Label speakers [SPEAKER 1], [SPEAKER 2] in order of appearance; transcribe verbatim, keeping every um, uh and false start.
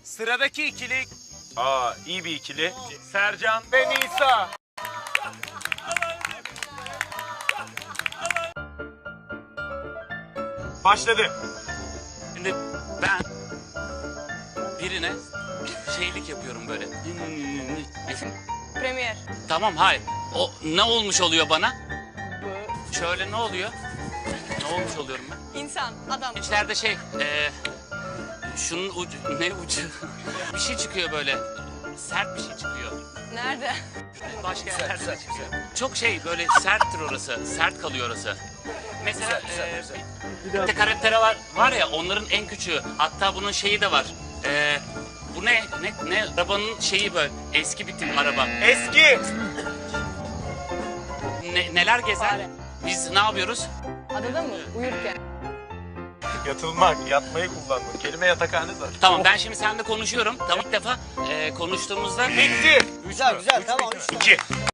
[SPEAKER 1] Sıradaki ikili
[SPEAKER 2] Aa, iyi bir ikili.
[SPEAKER 1] Sercan ve Nisa.
[SPEAKER 2] Başladı.
[SPEAKER 3] Şimdi ben birine şeylik yapıyorum böyle.
[SPEAKER 4] Premier.
[SPEAKER 3] Tamam, hayır. O ne olmuş oluyor bana? Şöyle ne oluyor? Ne olmuş oluyorum ben?
[SPEAKER 4] İnsan, adam.
[SPEAKER 3] İçlerde şey, e, şunun ucu, ne ucu? Bir şey çıkıyor böyle. Sert bir şey çıkıyor.
[SPEAKER 4] Nerede?
[SPEAKER 3] Başka yerlerde de çıkıyor. Çok şey böyle serttir orası. Sert kalıyor orası. Mesela e, bir de karakter var, var ya, onların en küçüğü. Hatta bunun şeyi de var. E, bu ne? Ne? Ne? Arabanın şeyi böyle. Eski bir tip araba.
[SPEAKER 2] Eski.
[SPEAKER 3] Ne, neler gezer? Biz ne yapıyoruz?
[SPEAKER 4] Adada mı? Uyurken.
[SPEAKER 2] Yatılmak, yatmayı kullanmak. Kelime yatakhane zaten.
[SPEAKER 3] Tamam, ben şimdi seninle konuşuyorum. Tamam, ilk defa e, konuştuğumuzda...
[SPEAKER 2] Bitti.
[SPEAKER 5] Güzel güzel tamam.
[SPEAKER 2] İki.